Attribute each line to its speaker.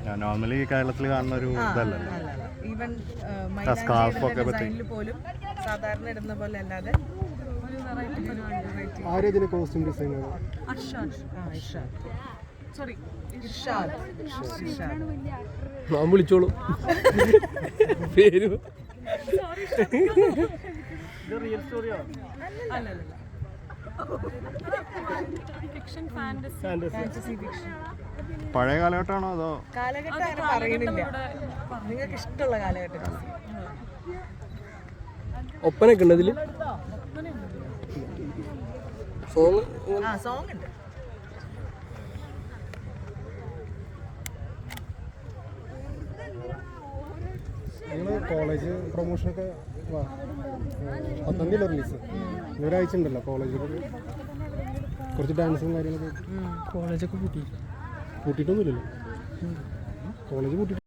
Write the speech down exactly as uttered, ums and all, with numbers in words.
Speaker 1: Normally കേരളത്തിൽ കാണുന്ന ഒരു ഇതല്ലല്ലോ.
Speaker 2: ഈവൻ
Speaker 1: സ്കാർഫൊക്കെ
Speaker 2: ഡിസൈനിൽ പോലും സാധാരണ ഇടുന്ന പോലെ അല്ലാതെ ഒരു വെറൈറ്റി.
Speaker 3: ആരേതിന് കോസ്റ്റ്യൂം ഡിസൈനർ?
Speaker 2: അർഷാദ്. ആ ഇർഷാദ്. സോറി ഇർഷാദ്. ഇർഷാദ്.
Speaker 3: ഞാൻ വിളിച്ചോളൂ പേര്.
Speaker 2: റിയൽ സ്റ്റോറിയോ? അല്ലല്ല. Fiction fantasy fantasy fiction.
Speaker 1: പഴയ കാലഘട്ടമാണോ അതോ?
Speaker 2: കാലഘട്ടം അങ്ങനെ പറയുന്നില്ല, നിങ്ങൾക്ക് ഇഷ്ടമുള്ള കാലഘട്ടം.
Speaker 3: ഒപ്പനൊക്കെ ഉണ്ട് അതില്? സോങ്?
Speaker 2: ആ സോങ് ഉണ്ട്.
Speaker 3: നിങ്ങൾ കോളേജ് പ്രൊമോഷനൊക്കെ പത്താം തീയതി റിലീസ്, ഒരാഴ്ച ഉണ്ടല്ലോ കോളേജിൽ കുറച്ച് ഡാൻസും കാര്യങ്ങളൊക്കെ. കോളേജൊക്കെ പൂട്ടി പൂട്ടിയിട്ടൊന്നുമില്ലല്ലോ, കോളേജ് പൂട്ടി.